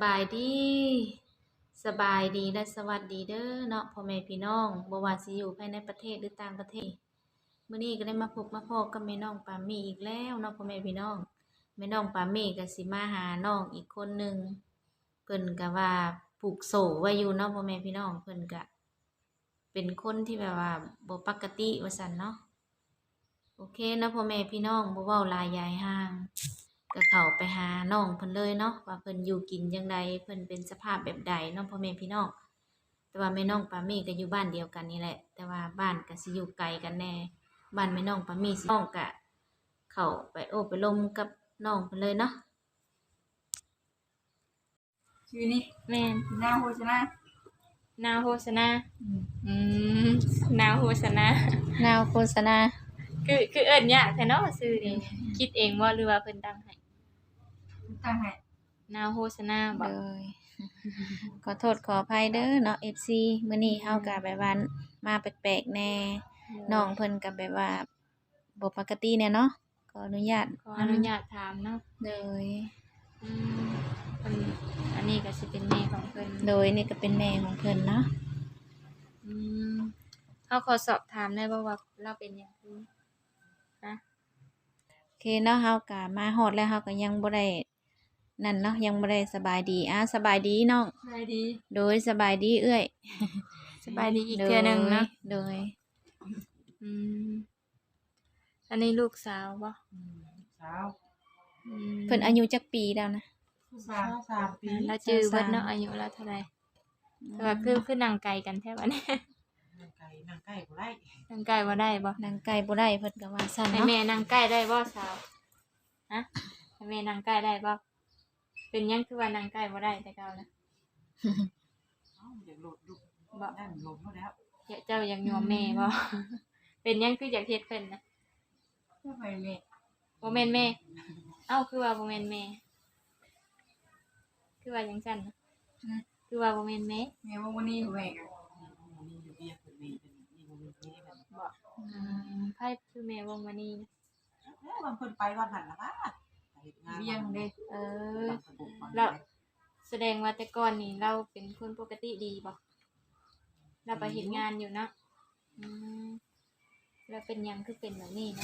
ายดีสบายดีและสวัสดีเด้อเนาะพ่อแม่พี่น้องบ่ว่าสิอยู่ภายในประเทศหรือต่างประเทศมื้อนี้ก็ได้มาพบมาพ้อกับแม่น้องปามี่อีกแล้วเนาะพ่อแม่พี่น้องแม่น้องปามี่ก็สิมาหาน้องอีกคนหนึ่งเพิ่นก็ว่าผูกโซ่ไว้อยู่เนาะพ่อแม่พี่น้องเพิ่นก็เป็นคนที่แบบว่าบ่ปกติว่าซั่นเนาะโอเคเนาะพ่อแม่พี่น้องบ่เว้าหลายยายห่าง ก็เข้าไปหาน้องเพิ่นเลยเนาะว่าเพิ่นอยู่กินจั่งใดเพิ่นเป็นสภาพแบบใดเนาะพ่อแม่พี่น้องแต่ว่าแม่น้องปามี่ก็อยู่บ้านเดียวกันนี่แหละแต่ว่าบ้านก็สิอยู่ไกลกันแน่บ้านแม่น้องปามี่สิน้องก็เข้าไปโอ้ไปลมกับน้องเพิ่นเลยเนาะชื่อนี้แม่นนาโฮชนะนาวโฆษณาอืมนาวโฆษณานาวโฆษณาคือเอิ้นยากแท้เนาะชื่อนี้คิดเองบ่หรือว่าเพิ่นตั้งให้ตั้งให้นาวโฆษณาบ่เลยขอโทษขออภัยเด้อเนาะ FC มื้อนี้เฮาก็แบบว่ามาแปลกๆแน่น้องเพิ่นก็แบบว่าบ่ปกติแน่เนาะขออนุญาตขออนุญาตถามเนาะเลยอืมเพิ่นอันนี้ก็สิเป็นแม่ของเพิ่นโดยนี่ก็เป็นแม่ของเพิ่นเนาะอืมเฮาขอสอบถามได้บ่ว่าเราเป็นหยังคือฮะโอเคเนาะเฮาก็มาฮอดแล้วเฮาก็ยังบ่ได้นั่นเนาะยังบ่ได้สบายดีสบายดีน้องสบายดีโดยสบายดีเอื้อยสบายดีอีกเทื่อหนึงเนาะโดยอืมอันนี้ลูกสาวบ่สาวอืมเพิ่นอายุจักปีแล้วนะ 3 ปีแล้วจื้อเบิดเนาะอายุแล้วเท่าใดแต่ว่าคือนั่งไกลกันแท้บัดนี้นั่งใกล้บ่ได้นั่งใกล้บ่ได้บ่นางไก่บ่ได้เพิ่นก็ว่าซั่นให้เนาะแม่นั่งใกล้ได้บ่สาวฮะให้แม่นั่งใกล้ได้บ่เป็นหยังคือว่านั่งใกล้บ่ได้แต่เก่านะอยากโหลดลูกบ่ได้โหลดเขาแล้วเจ้าอยากยอมแม่บ่ เป็นหยังคืออยากเฮ็ดเพิ่นนะบ่ไปแม่บ่แม่นแม่เอ้าคือว่าบ่แม่นแม่คือว่าจังซั่นนะคือว่าบ่แม่นแม่แม่ว่าวันนี้แม่ก็บ่ไผคือแม่วงมณีนะวันเพิ่นไปวันหันล่ะค่ะไปเฮ็ดงานเวียงเด้เออแล้วแสดงว่าแต่ก่อนนี่เราเป็นคนปกติดีบ่เราไปเฮ็ดงานอยู่เนาะอืมแล้วเป็นหยังคือเป็นแบบนี้นะ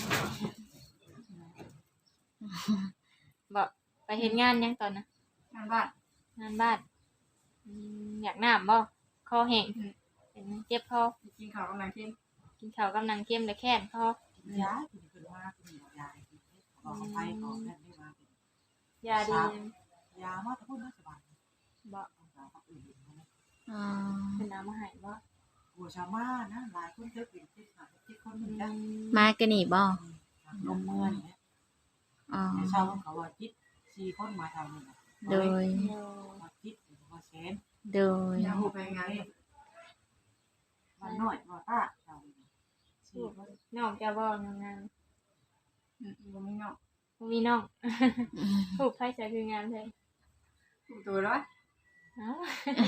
บ่ไปเฮ็ดงานหยังตอนน่ะงานบ้านงานบ้านอยากน้ำบ่คอแห้งเป็นเจ็บคอกินข้าวกำลังกินกินข้าวกำลังเค็มและแค้นคอยากินขึ้นมากินยาบอกไปขอแม่ได้มายาดียามาแต่พูดไม่สบายบ่อ๋อเพิ่นเอามาให้บ่หัวชาม่านะหลายคนเจอเป็นที่คนเหมือนกันมากันนี่บ่ลมเมื่อยเนี่ยอ๋อชาวเขาว่าคิด4 คนมาทำนี่โดยมาคิดมาแสนโดยอย่าหูไปไงมันน้อยบ่ตาชาวน้องจะบ่งามบ่มีน้องบ่มีน้องผูกไผใส่คืองามแท้ตัวร้อยอ้าว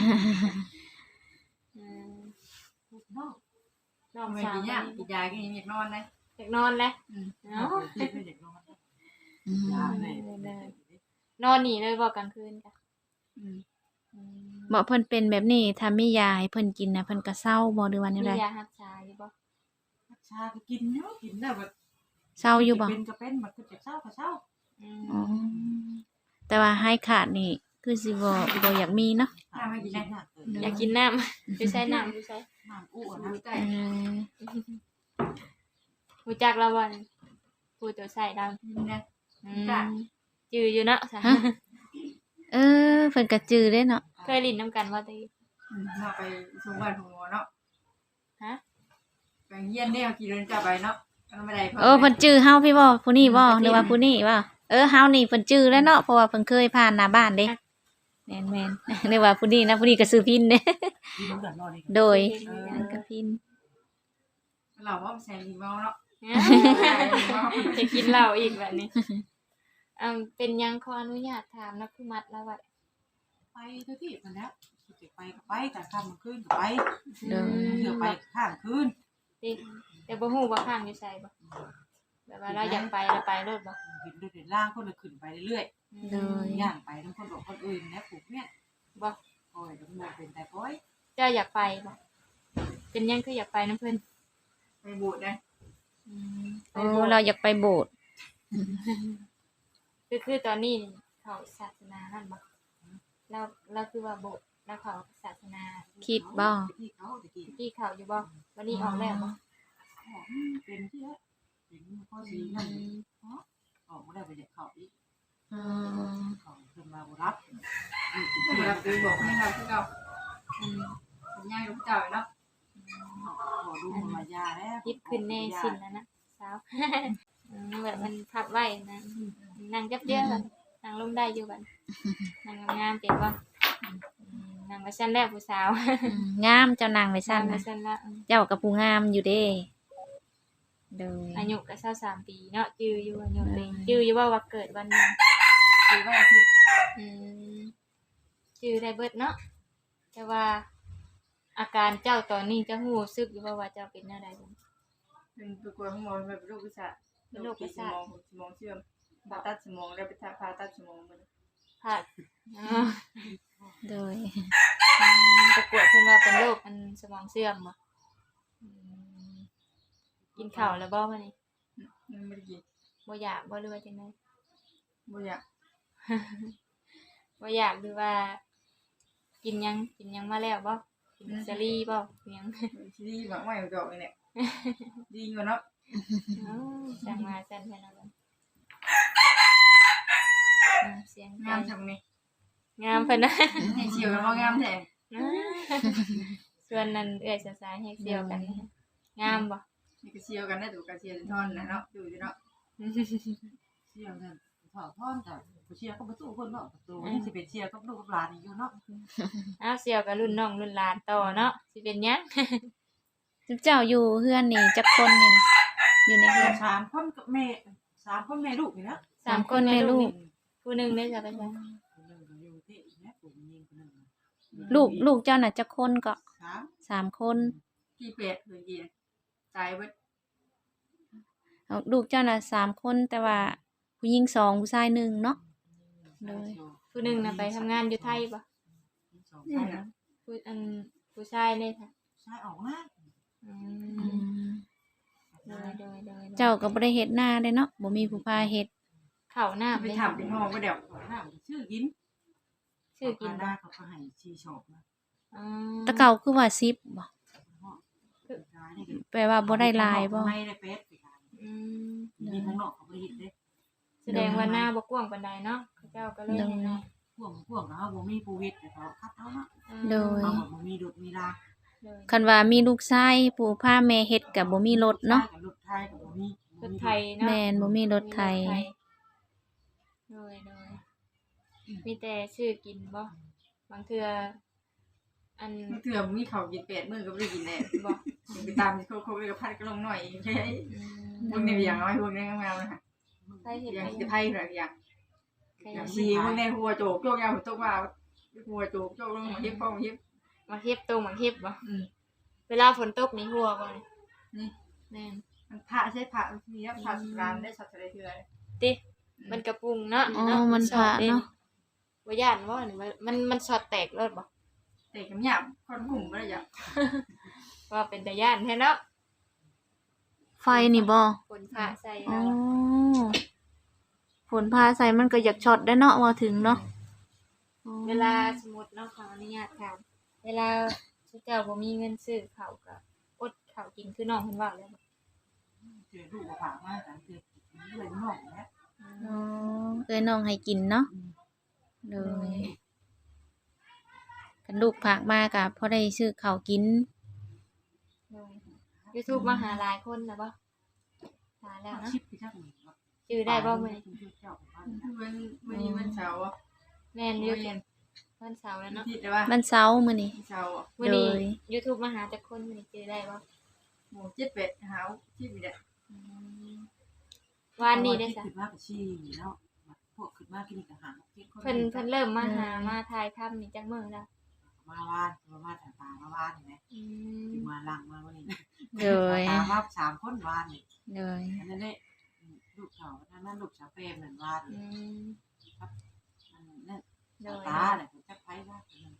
น้องน้องไม่สาวกินยากินยากินอยากนอนเลยอยากนอนแล้วเนาะอยากนอนยาเลยนอนนี่เลยบ่กลางคืนจ้ะบ่เพิ่นเป็นแบบนี้ถ้ามียาให้เพิ่นกินน่ะเพิ่นก็เศร้าบ่หรือว่าแนวมีใดยารักษาอยู่บ่ชาก็กินเนาะกินได้แบบเศร้าอยู่บ่เป็นก็เป็นมันคือจะเศร้าก็เศร้าอ๋อแต่ว่าให้ขาดนี่คือสิบ่อยากมีเนาะไม่กินได้อยากกินน้ำอยู่ใช้น้ำอยู่ใช้น้ำอู้น้ำใต้รู้จักแล้วบ่ผู้ตัวใส่ดำนะจืออยู่เนาะเพิ่นก็จื้อเด้เนาะเคยลิ้นน้ำกันบ่ติมาไปส่งบ้านของหมอเนาะฮะไปเฮียนแนวกี่เดือนจะไปเนาะไม่ได้เพิ่นจื้อเฮาพี่บ่ผู้นี้บ่หรือว่าผู้นี้บ่เฮานี่เพิ่นจื้อแล้วเนาะเพราะว่าเพิ่นเคยผ่านหน้าบ้านเด้แม่นๆนึกว่าผู้นี้นะผู้นี้ก็ซื้อพินเด้โดยก็พินเราว่าแซงอีเมาเนาะจะกินเหล้าอีกแบบนี้เป็นยังขออนุญาตถามนะคือมัดแล้วว่าไปทุกที่มันแล้วจะไปก็ไปแต่ค่ำคืนก็ไปเถื่อไปข้างคืนแต่บ่ฮู้ว่าข้างอยู่ไสบ่แบบว่าเราอยากไปเราไปรถบ่เห็นล่างคนละขึ้นไปเรื่อยๆย่างไปทั้งคนบอกคนอื่นนะผูกเนี่ยบ่โอ้ยก็บ่เป็นแต่ก้อยเจ้าอยากไปบ่เป็นหยังคืออยากไปนํเพิ่นไปโบสถ์นะอืมโอ้เราอยากไปโบสถ์คือตอนนี้เขาศาสนานั่นบ่เราคือว่าโบสถ์แล้วเขาศาสนาคิดบ่ที่เขาตะกี้ที่เขาอยู่บ่วันนี้ออกแล้วบ่เป็นที่แล้วเป็นข้อสีนั่นออกบ่ได้ไปเด็กเขาอีกอืมเขาเพิ่นมาบ่รับบ่รับเลยบอกให้เราคือเก่าอืมเป็นย่างลูกเจ้าเนาะขอดูมายาแล้วยิบขึ้นแน่สิ้นแล้วนะสาว แบบมันพับไว้นะนั่งจับเจื้อกันนั่งลงได้อยู่บัดนั่งงามๆเป็นบ่นั่งไว้ชั้นแรกผู้สาวงามเจ้านางไว้ซั่นไว้นะชั้นละเจ้ากับผู้งามอยู่เด้โดยอายุก็23ปีเนาะจื้ออยู่อายุเลยจื้ออยู่ว่าเกิดวันหนึงคือว่าอาทิตย์อืมจื้อได้เบิดเนาะแต่ว่าอาการเจ้าตอนนี้จะรู้สึกอยู่ว่าเจ้าเป็นอะไรบ่เป็นตัวกลัวของหมอแบบโรคประสาทสมองเสื่อมผ่าตัดสมองแล้วไปผ่าตัดสมองมันผ่าอ๋อโดยประกวดเพิ่นว่าเป็นโรคมันสมองเสื่อมบ่อืมกินข้าวแล้วบ่มื้อนี้มันไม่ได้กินบ่อยากบ่หรือว่าจังได๋บ่อยากบ่อยากหรือว่า กินหยังมาแล้วบ่กินซาลีบ่อิหยังที่หวังไว้ดอกนี่แหละดีกว่าเนาะอ๋อจังว่าซั่นแท้เนาะบัดเสียงงามทำนี่งามเพิ่นนะให้เชียวกันว่างามแท้ส่วนนั้นเอื้อยสายๆให้เสียวกันนะงามบ่นี่ก็เชียวกันได้ถูกกันเชียวท่อนนะเนาะดูอยู่เนาะเชี่ยวนั่นถอดท่อนแต่ผู้เชี่ยวก็บ่สู้คนเนาะประตูนี่สิเป็นเชี่ยวกับลูกกับหลานอยู่เนาะอ้าวเสียวกับรุ่นน้องรุ่นหลานต่อเนาะสิเป็นหยังเจ้าอยู่เฮือนนี่จักคนนี่นะอยู่ในเฮือน 3คนกับแม่3คนแม่ลูกนี่นะสามคนแม่ลูกผู้หนึงได้จะไปใช่คนนึงก็อยู่ที่แม่ปู่ยิงคนนึงลูกเจ้าน่ะจักคนก็ 3 คนกี่เป็ดเลยกี่ตายเบิดเอาลูกเจ้าน่ะ3 คนแต่ว่าผู้หญิง2ผู้ชาย1เนาะผู้หนึงน่ะไปทำงานอยู่ไทยบ่นี่นะผู้ชายนี่ค่ะใช่ออกมาอือืมมโดยเจ้าก็บ่ได้เฮ็ดนาเด้เนาะบ่มีผู้พาเฮ็ดข้าวหน้าไปเลยทำเป็นห้องก็เดี๋ยวน้ำชื่อกินชื่อกินได้บ่เขาก็ให้ชีชอบนะอ๋อแตะเก่าคือว่า10บ่นี่แปลว่าบ่ได้หลายบ่ไม่ได้เป็ดอืมมีข้างนอกเขาบ่ได้เฮ็ดเด้แสดงว่าหน้าบ่กว้างปานใดเนาะเขาเจ้าก็เลยให้น้อยพวกนะบ่มีผู้เฮ็ดแต่เขาคัดเอาเนาะโดยเอาบ่มีดุมีลาโดยคันว่ามีลูกชายผู้พาแม่เฮ็ดก็บ่มีรถเนาะรถไทยก็บ่มีรถไทยเนาะแม่นบ่มีรถไถโดยมีแต่ชื่อกินบ่บางเทื่ออันเถื่อมีเขากินเป็ดมือก็ไม่ได้กินแน่บ่ไปตามโควิดกับพัดก็ลงหน่อยใช่อืมพวกนี้อย่างน้อยพวกนี้งามนะไทยเฮ็ดอย่างไปจะไพ่หรืออย่างอย่างซีพวกนี้หัวโจกโจกยาวหัวโจกว่าหัวโจกโจกลงมาเฮ็บป้องเฮ็บมาเฮ็บตรงมาเฮ็บบ่เวลาฝนตกนี่หัวบ่นี่นี่แม่นมันพระใช่พระมีแล้วพระร้านได้สัตว์อะไรเถื่อติมันกระปุงเนาะอ๋อมันพระเนาะบ่ย่านบ่นี่มันช็อตแตกรถบ่แต่กำยำคนกลุ่มอะไรอย่างว่าเป็นตาย่านแท้เนาะไฟนี่บ่ฝนฟ้าใส่อ๋อเอาฝนพาใส่มันก็อยากช็อตได้เนาะว่าถึงเนาะเวลาสมมุติเนาะขออนุญาตถามเวลาเจ้าบ่มีเงินซื้อข้าวก็อดข้าวกินคือน้องเพิ่นว่าเลยบ่เจอลูกก็ฝากมากันเจอเลยน้องแล้วอ๋อเอ้ยน้องให้กินเนาะโดยกันลูกฝากมาก็พอได้ซื้อข้าวกิน YouTube มาหาหลายคนแล้วบ่หาแล้วเนาะชิปพี่จักนี่ชื่อได้บ่มื้อนี้วันนี้วันเสาร์แม่นอยู่วันเสาร์แล้วเนาะที่แต่ว่ามันเช้ามื้อนี้เสาร์มื้อนี้เลย YouTube มาหาจักคนมื้อนี้ชื่อได้บ่หมูเจ็ดเป็ดหาวที่มีเด็ดวันนี้ได้ซะขึ้นมากับชีเนาะพวกขึ้นมากินกับหางเพิ่นเริ่มมาหามาถ่ายทำนี่จักมื้อแล้วมาวานมาแต่ตามาวานเห็นไหมอืถึงมมาลังมาวันนี้โดยตามมา3คนวานนี่โดยอันนั้นเนี่ยลูกเขานั่นลูกสาวเปรมเหมือนวานอืมนั่นโดยตาเนี่ยผมจะไปว่า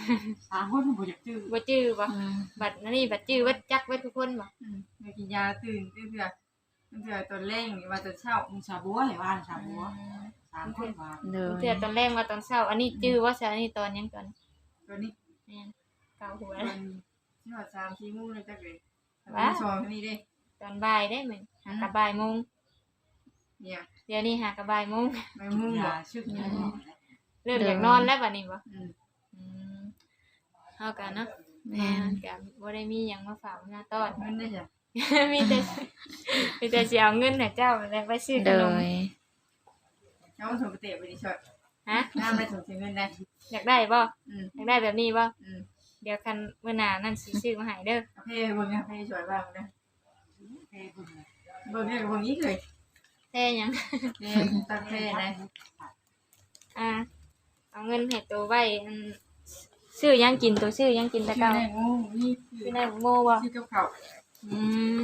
3คนบ่อยากจื้อบ่จื้อบ่อืมบัดนี้บัดจื้อบัดจักไว้ทุกคนบ่ไม่กินยาตื่นเพื่อตอนเร่งว่าตอนเช้ามึงชาบัวให้ว่านชาบัว3คนว่าโดยเทื่อตอนแรกว่าตอนเช้าอันนี้จื้อว่าซะอันนี้ตอนหยังตอนตอนนี้แม่นเกาหัวตอนที่ว่า3-4 มื้อเลยจักเลยชอบนี่เด้ตอนบ่ายได้เหมือนหากะบ่ายโมงเนี่ยเดี๋ยวนี้หากะบ่ายโมงไม่มุ่งยาบ่ชึกยาเริ่มอยากนอนแล้วบัดนี้บ่อืมอืมเฮากันเนาะแม่นก็บ่ได้มีหยังมาฝากมาต้อนเงินได้จ้ะมีแต่สิเอาเงินให้เจ้าแล้วไปซื้อขโดนมยเจ้าส่งไปเตะไปดิชดฮะน้ำได้ส่งเงินได้อยากได้บ่อืมอยากได้แบบนี้บ่อืมเดี๋ยวคันมื้อหน้านั่นสิซื้อมาให้เด้อเพ่เบิ่งเพ่ช่วยบ้างนะเฮ้บุญเบิ่งเนี่ยเบิ่งนี้เลยแท้หยังเนี่ยตั้งเพ่นะอ่าเอาเงินให้ตัวไว้อันซื้อหยังกินตัวซื้อหยังกินแต่ชื่อเก่าในงูนี่ซื้อได้โง่บ่ชื่อกับเขาอืม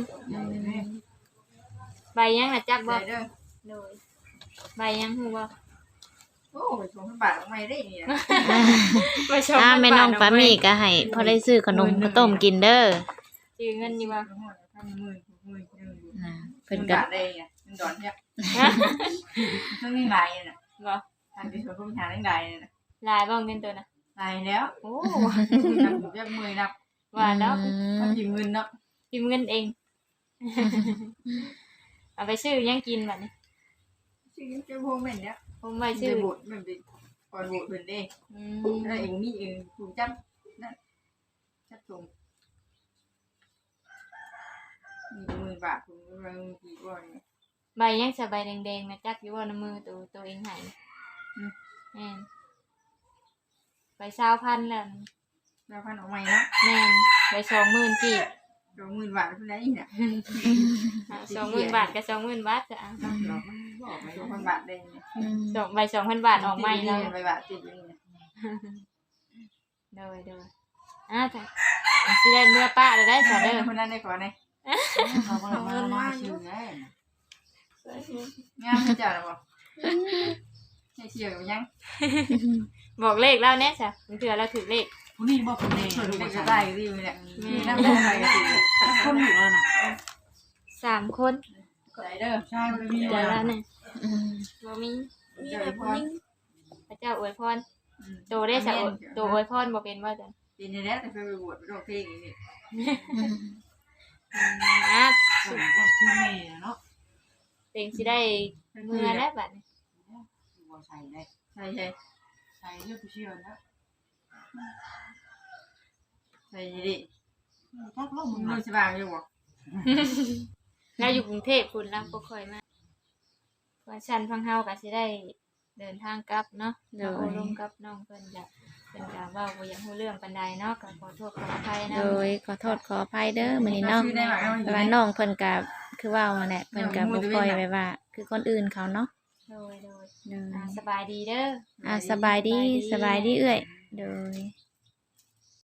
ใบหยังน่ะจักบ่บ่เด้อโดยใบหยังฮู้บ่โอ้ยส่งบาทออกมาได้นี่นะมาชมแม่น้องปามีก็ให้พอได้ซื้อขนมข้าวต้มกินเด้อซื้อเงินอยู่บ่ 10,000 อ่าเพิ่เพิ่นนก็ก็ได้เนี่ยมันดอนเนี่ยฮะช่วงนี้หลายน่ะบ่ทางที่ชวนผู้หาได้หลายน่ะหลายบ่เงินตัวน่ะหลายแล้วโอ้นับเรียกมือนับว่าแล้วอืมันมถึงเงินเนาะพิมพ์เงินเอง เอาไปซื้อหยังกินบัดนี้ชื่อเจ้าพวกแม่นเนี่ยผมไปชื่ซื้ออโบสถ์มันเป็นก่อนโบสถ์เพิ่นเด้อืแล้วมเองนี่เองถูกจับนั่นจับตรงนี่10,000 บาทผมกำลังกี่บ่เนี่ยใบยังสะใบแดงๆนะจักอยู่ว่าในมือตัวเองใหายแม่นใบ20,000แล้วแล้วพันออกใหม่เนาะแม่นใบ20,000กีบ 20,000 บาทเพิ่นได้เนี่ย 20,000 บาทกับ20,000 บาทจะเอาเนาะบอกไหม 2,000 บาทได้เนี่ยอืมสองใบ2,000 บาทออกใหม่แล้วใบบาทติดอยู่นี่โดยอ่ะจ้ะสิได้เมื่อป้าได้ได้ซะเด้อคนนั้นได้ก่อนเลยเขาบอกมาชื่อไงงามให้จ้าแล้วบ่ให้เชียร์กันยังบอกเลขแล้วแน่จ้ะมันเถื่อเราถือเลขผู้นี้บอกคนนี้เพิ่นลูกได้ก็ก็ได้ได้ก็ดีเนี่ยมีน้ำได้ก็ดีคนอยู่แล้วนะ 3 คนใจเด้อใช่ไม่มีเดี๋ยวแล้แล้ว วเนี่ยอืมบ่มีเจ้าพรพระเจ้าอวยพรโตได้จ้ะโตอวยพรบ่เป็นว่าจ้ะปีนี้แล้วแต่เพิ่นไปบวชไปร้องเพลงนี่อืมอ่ะส่งก็คือแม่เนาะเต็งสิได้เมื่อแล้วบัดนี้บัวใส่ได้ใช่ใช่ใส่เลือดผู้เชี่ยวนะใช่ดิทักลงมึมึงงรู้เลยสบายอยู่บ่เราอยู่กรุงเทพคุณเราบ่ค่อยมาว่าฉันฟังเฮาก็สิได้เดินทางกลับเนาะโดโอ้ยลงกับน้องเพิ่นจะเพิ่นก็เว้าบ่อยากรู้เรื่องปานใดเนาะก็ขอโทษขออภัยนะโดยขอโทษขออภัยเด้อมื้อนี้เนาะชื่อได้ว่าเอาแต่ว่าน้องเพิ่นก็คือว่าว่าแหละเพิ่นก็บ่ค่อยไว้ว่า คือคนอื่นเขาเนาะโดยโดยสบายดีเด้อสบายดีเอื้อยโดย